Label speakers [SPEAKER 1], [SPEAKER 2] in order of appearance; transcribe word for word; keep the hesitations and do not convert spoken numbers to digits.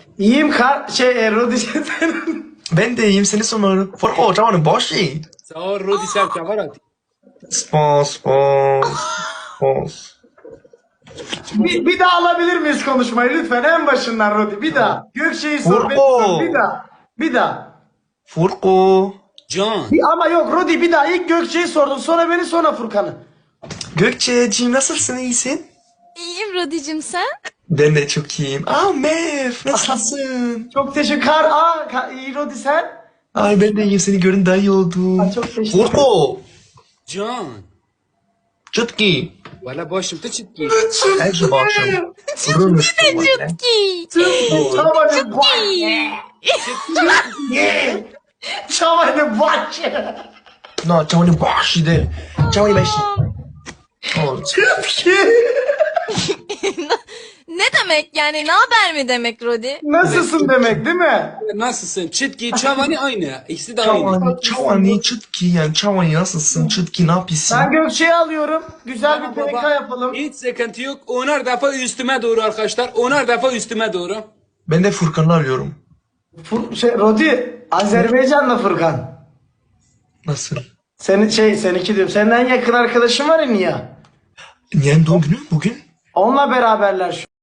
[SPEAKER 1] İyiyim kar şey e, Rodi senin.
[SPEAKER 2] Ben de iyiyim seni sormalı. Furko çavanın başı.
[SPEAKER 3] Sağ ol Rodi sen çavarat.
[SPEAKER 2] Spons, spons, spons.
[SPEAKER 1] Bir, bir daha alabilir miyiz konuşmayı lütfen en başından Rodi bir daha. Gökçe'yi sor beni
[SPEAKER 2] Furko.
[SPEAKER 1] sor, bir daha. Bir daha.
[SPEAKER 2] Furko.
[SPEAKER 3] Can.
[SPEAKER 1] Bir- ama yok Rodi bir daha ilk Gökçe'yi sordun sonra beni sonra Furkan'ı.
[SPEAKER 2] Gökçe'ciğim nasılsın, iyisin?
[SPEAKER 4] İyiyim Rodicim sen?
[SPEAKER 2] Ben de çok iyiyim. Aa Mev nasılsın?
[SPEAKER 1] Çok teşekkür Kar aa Ka- iyi Rodi sen.
[SPEAKER 2] Ay ben de iyiyim, seni görün daha iyi oldum.
[SPEAKER 1] Ay, çok teşekkür
[SPEAKER 2] Furko.
[SPEAKER 3] Can.
[SPEAKER 2] Çıtki.
[SPEAKER 3] Valla başımda çıtki.
[SPEAKER 2] Her şey başım. Vurulmuş.
[SPEAKER 4] Ki.
[SPEAKER 1] Çabanın başı. Çabanın başı.
[SPEAKER 2] No, çavanın başı de. Çavanın başı. Oh,
[SPEAKER 4] Ne demek yani ne haber mi demek Rodi?
[SPEAKER 1] Nasılsın demek değil mi?
[SPEAKER 3] Nasılsın? Çıtki, çavani aynı. İkisi de aynı.
[SPEAKER 2] Çavanı, çavanı, çıtki yani çavanı nasılsın, çıtki ne yapıyorsun?
[SPEAKER 1] Ben Gökçe'yi alıyorum. Güzel
[SPEAKER 3] Tamam
[SPEAKER 1] bir P K
[SPEAKER 3] baba.
[SPEAKER 1] yapalım.
[SPEAKER 3] Hiç sıkıntı yok. Onar defa üstüme doğru arkadaşlar. Onar defa üstüme doğru.
[SPEAKER 2] Ben de Furkan'ı alıyorum.
[SPEAKER 1] Fur, şey, Rodi Azerbaycan'la Furkan.
[SPEAKER 2] Nasıl?
[SPEAKER 1] Senin şey seninki diyorum. Senden yakın arkadaşın var ya Nia.
[SPEAKER 2] Niye doğum günü bugün?
[SPEAKER 1] Onunla beraberler şu